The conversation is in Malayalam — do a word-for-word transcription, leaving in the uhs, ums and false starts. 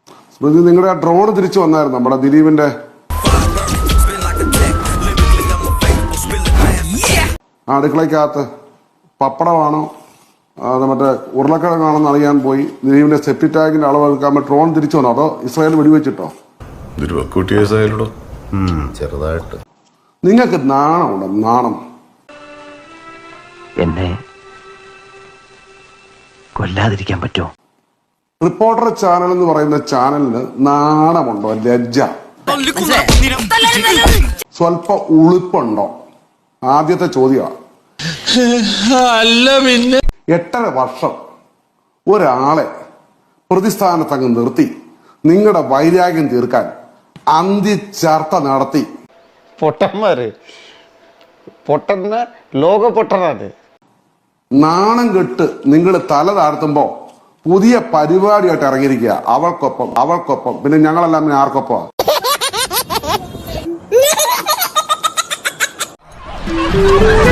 സ്മൃതി, നിങ്ങളുടെ ആ ഡ്രോൺ തിരിച്ചു വന്നായിരുന്നു നമ്മുടെ ദിലീപിന്റെ അടുക്കളയ്ക്കകത്ത് പപ്പടമാണോ അത് മറ്റേ ഉരുളക്കിഴങ്ങാണെന്ന് അറിയാൻ പോയി ദിലീപിന്റെ സെപ്റ്റി ടാങ്കിന്റെ അളവ് എടുക്കാൻ ഡ്രോൺ തിരിച്ചു വന്നോ അതോ ഇസ്രായേൽ വെടിവെച്ചിട്ടോ? ചെറുതായിട്ട്. നിങ്ങൾക്ക് നാണമുണ്ടോ? നാണം. എന്നെ കൊല്ലാതിരിക്കാൻ പറ്റുമോ? റിപ്പോർട്ടർ ചാനൽ എന്ന് പറയുന്ന ചാനലിന് നാണമുണ്ടോ? ലജ്ജ, സ്വല്പ ഉളുപ്പുണ്ടോ? ആദ്യത്തെ ചോദ്യമാണ്. എട്ടര വർഷം ഒരാളെ പ്രതിസ്ഥാനത്തങ്ങ് നിർത്തി നിങ്ങളുടെ വൈരാഗ്യം തീർക്കാൻ അന്ത്യചർച്ച നടത്തി. പൊട്ടന്മാര് പൊട്ടന്ന ലോക പൊട്ടനാണ്. നാണം കെട്ട് നിങ്ങൾ തല താഴ്ത്തുമ്പോ പുതിയ പരിപാടിയായിട്ട് ഇറങ്ങിയിരിക്കുക. അവൾക്കൊപ്പം അവൾക്കൊപ്പം പിന്നെ ഞങ്ങളെല്ലാം പിന്നെ ആർക്കൊപ്പം? Yeah.